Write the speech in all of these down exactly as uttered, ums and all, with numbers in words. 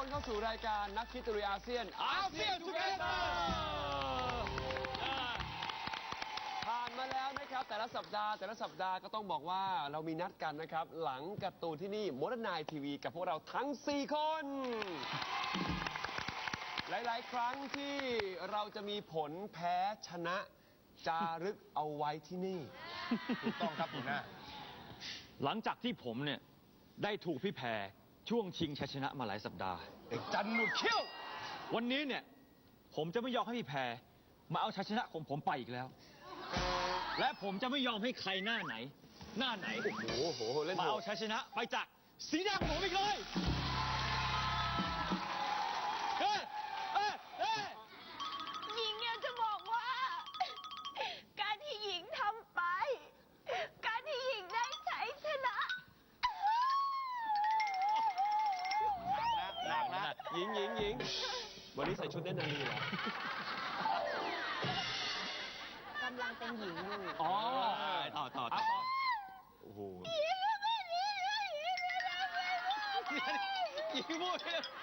คนเข้าสู่รายการนักคิดตุรีอาเซียนอาเซียนทูเกเตอร์ผ่านมาแล้วนะครับแต่ละสัปดาห์แต่ละสัปดาห์ก็ต้องบอกว่าเรามีนัดกันนะครับหลังการ์ตูนที่นี่โมเดิร์นไนน์ทีวีกับพวกเราทั้งสี่คนหลายๆ ครั้งที่เราจะมีผลแพ้ชนะจารึกเอาไว้ที่นี่ถูกต้องครับหัวหน้าหลังจากที่ผมเนี่ยได้ถูกพี่แพรช่วงชิงชัยชนะมาหลายสัปดาห์ไอ้จันหนุดเขี้ยววันนี้เนี่ยผมจะไม่ยอมให้พี่แพรมาเอาชัยชนะของผมไปอีกแล้วและผมจะไม่ยอมให้ใครหน้าไหนหน้าไหนโอ้โหเล่นมาเอาชัยชนะไปจากสีแดงของผมอีกเลยเฮ้ยเฮ้ยเฮ้ยหญิงอยากจะบอกว่าการที่หญิงทำไปการที่หญิงได้ชัยชนะหนักนะหญิงหญิงหญิงวันนี้ใส่ชุดเล่นนาลีเหรอกำลังเป็นหญิงอยู่อ๋อต่อต่อต่อโอ้โหหญิงไม่ดีหญิงไม่ดีหญิงพูด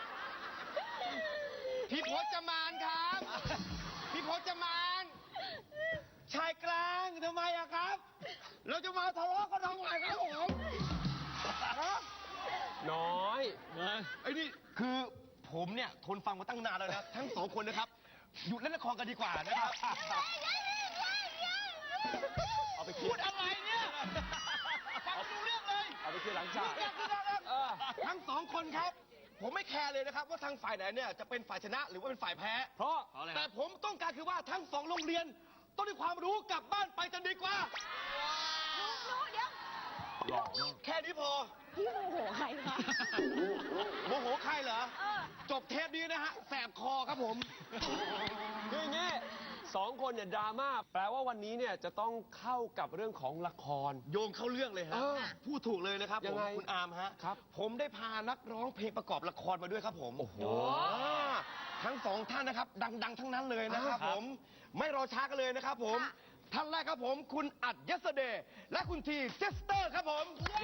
พี่พจมานครับพี่พจมานชายกลางทำไมอะครับเราจะมาทะเลาะกันทำไมครับผมน้อยไอ้นี่คือผมเนี่ยทนฟังมาตั้งนานแล้วนะทั้งสองคนนะครับหยุดเล่นละครกันดีกว่านะครับเอาไปพูดอะไรเนี่ยฟังไม่รู้เรื่องเลยเอาไปเคลียร์หลังฉากทั้งสองคนครับผมไม่แคร์เลยนะครับว่าทางฝ่ายไหนเนี่ยจะเป็นฝ่ายชนะหรือว่าเป็นฝ่ายแพ้เพราะแต่ผมต้องการคือว่าทั้งสองโรงเรียนต้องได้ความรู้กลับบ้านไปจะดีกว่ารู้รู้เดี๋ยวหล่อมากแค่นี้พอพี่โมโหใครคะโมโหใครเหรอจบเทปนี้นะฮะแสบคอครับผมคืออย่างนี้สองคนเนี่ยดราม่าแปลว่าวันนี้เนี่ยจะต้องเข้ากับเรื่องของละครโยงเข้าเรื่องเลยฮะพูดถูกเลยนะครับผมคุณอาร์มฮะครับผมได้พานักร้องเพลงประกอบละครมาด้วยครับผมโอ้โหทั้งสองท่านนะครับดังๆทั้งนั้นเลยนะครับผมไม่รอช้ากันเลยนะครับผมท่านแรกครับผมคุณอัดเยสเดย์และคุณทีเจสเตอร์ครับผม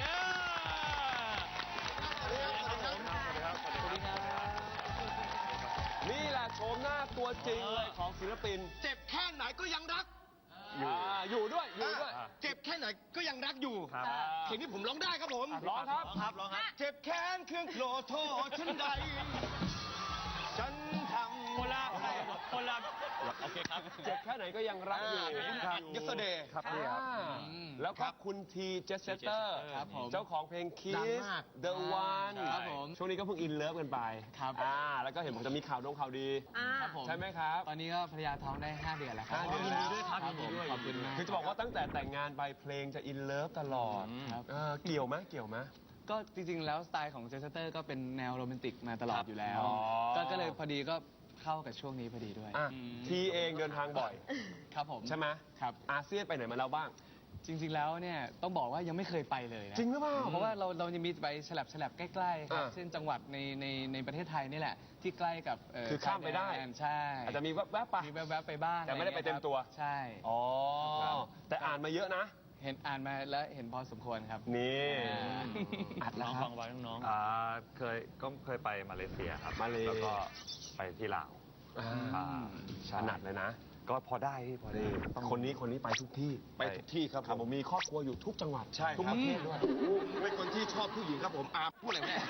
นี่แหละโฉมหน้าตัวจริงเลยของศิลปินเจ็บแค่ไหนก็ยังรักอยู่อยู่ด้วยอยู่ด้วยเจ็บแค่ไหนก็ยังรักอยู่เพลงนี้ผมร้องได้ครับผมร้องครับครับร้องครับเจ็บแค้นเครื่องโกรธโทษฉันใดฉันทำคนละคนละโอเคครับเจ็บแค่ไหนก็ยังรักอยู่ครับเยสเดย์ครับนี่ครับแล้วก็คุณทีเจสเตอร์เจ้าของเพลง Kiss The One ครับผมช่วงนี้ก็เพิ่งอินเลิฟกันไปครับอ่าแล้วก็เห็นผมจะมีข่าวดงข่าวดีใช่ไหมครับตอนนี้ก็ภรรยาท้องได้ห้าเดือนแล้วครับห้าเดือนยินดีด้วยครับยินดีด้วยขอบคุณมากคือจะบอกว่าตั้งแต่แต่งงานไปเพลงจะอินเลิฟตลอดเกี่ยวไหมเกี่ยวไหมก็จริงๆแล้วสไตล์ของเจสเตอร์ก็เป็นแนวโรแมนติกมาตลอดอยู่แล้วก็เลยพอดีก็เข้ากับช่วงนี้พอดีด้วยทีเองเดินทางบ่อยครับผมใช่ไหมครับอาเซียนไปไหนมาแล้วบ้างจริงๆแล้วเนี่ยต้องบอกว่ายังไม่เคยไปเลยนะจริงหรือเปล่าเพราะว่าเราเราจะมีไปฉลับฉลับใกล้ๆครับเช่นจังหวัดในในในประเทศไทยนี่แหละที่ใกล้กับคือข้ามไปได้ใช่อาจจะมีแวบๆไปมีแวบๆไปบ้างแต่ไม่ได้ไปเต็มตัวใช่อ๋อแต่อ่านมาเยอะนะเห็นอ่านมาแล้วเห็นพอสมควรครับนี่อัดแล้วฟังไว้น้องๆเคยก็เคยไปมาเลเซียครับมาเลแล้วก็ไปที่ลาวถนัดเลยนะก็พอได้พอได้คนนี้คนนี้ไปทุกที่ไปทุกที่ครับผมมีครอบครัวอยู่ทุกจังหวัดใช่ทุกประเทศด้วยเป็นคนที่ชอบผู้หญิงครับผมอาพูดอะไรแม่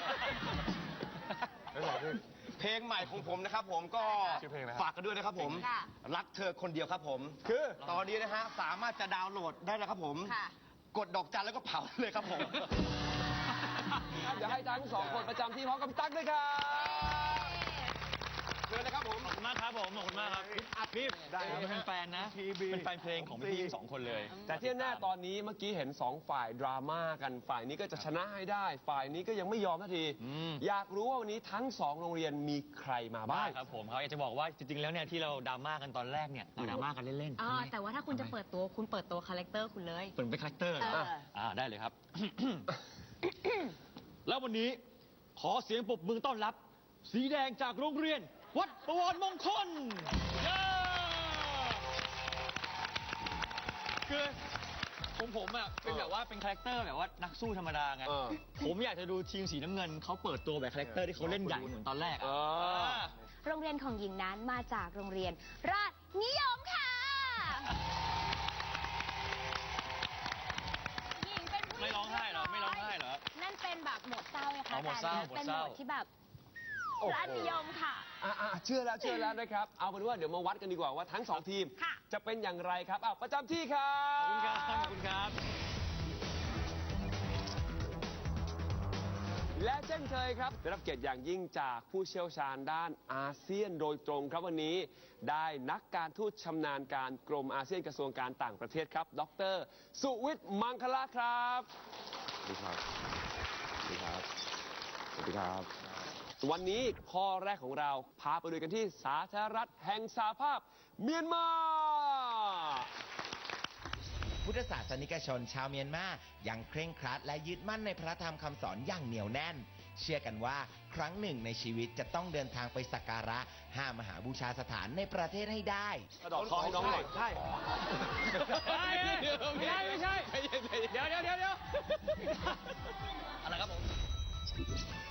เพลงใหม่ของผมนะครับผมก็ฝากกันด้วยนะครับผมรักเธอคนเดียวครับผมคือตอนนี้นะฮะสามารถจะดาวน์โหลดได้แล้วครับผมกดดอกจันแล้วก็เผาเลยครับผมเดี๋ยวให้ทั้งสองคนประจำที่พร้อมกับตั๊กด้วยครับเชิญเลยครับผมขอบคุณมากครับผมขอบคุณมากครับอัดพี่ได้เป็นแฟนนะเป็นแฟนเพลงของพี่สองคนเลยแต่ที่แน่ตอนนี้เมื่อกี้เห็นสองฝ่ายดราม่ากันฝ่ายนี้ก็จะชนะให้ได้ฝ่ายนี้ก็ยังไม่ยอมทันทีอยากรู้ว่าวันนี้ทั้งสองโรงเรียนมีใครมาบ้างครับผมเขาอยากจะบอกว่าจริงๆแล้วเนี่ยที่เราดราม่ากันตอนแรกเนี่ยเราดราม่ากันเล่นๆอ๋อแต่ว่าถ้าคุณจะเปิดตัวคุณเปิดตัวคาแรคเตอร์คุณเลยเปิดเป็นคาแรคเตอร์อ่าได้เลยครับแล้ววันนี้ขอเสียงปรบมือต้อนรับสีแดงจากโรงเรียนวัดประวรมงคลคือผมผมอ่ะเป็นแบบว่าเป็นคาแรคเตอร์แบบว่านักสู้ธรรมดาไงเออผมอยากจะดูทีมสีน้ำเงินเขาเปิดตัวแบบคาแรคเตอร์ที่เขาเล่นใหญ่เหมือนตอนแรกเออะอโรงเรียนของหญิงนั้นมาจากโรงเรียน ราชนิยมค่ะ หญิงเป็นผู้ญิไม่ร้องไห้เหรอไม่ร้องไห้เหรอนั่นเป็นแบบโหมดเศร้าไงอ๋คะอโหมดเศร้าแต่อันนี้เป็นโหมดเศร้าโหมดที่แบบโอ้โหราชนิยมค่ะอ่ะอ่ะเชื่อแล้วเชื่อแล้วนะครับ เอาเป็นว่าเดี๋ยวมาวัดกันดีกว่าว่าทั้งสองทีมค่ะจะเป็นอย่างไรครับอ้าวประจำที่ครัขอบคุณครับบขอบคุณครับและเช่นเคยครับได้รับเกียรติอย่างยิ่งจากผู้เชี่ยวชาญด้านอาเซียนโดยตรงครับวันนี้ ได้นักการทูตชำนาญการกรมอาเซียนกระทรวงการต่างประเทศครับ ดร สุวิทย์มังคลาครับสวัสดีครับ สวัสดีครับ สวัสดีครับวันนี้ข้อแรกของเราพาไปดูกันที่สาธารณรัฐแห่งสหภาพเมียนมาพุทธศาสนิกชนชาวเมียนมายังเคร่งครัดและยึดมั่นในพระธรรมคำสอนอย่างเหนียวแน่น เชื่อกันว่าครั้งหนึ่งในชีวิตจะต้องเดินทางไปสักการะห้ามหาบูชาสถานในประเทศให้ได้กระดอกคอให้น้องหน่อยใช่ไม่ใช่ไม่ใช่เดี๋ยวเดี๋ยวเดี๋ยวเดี๋ยวอะไรครับผม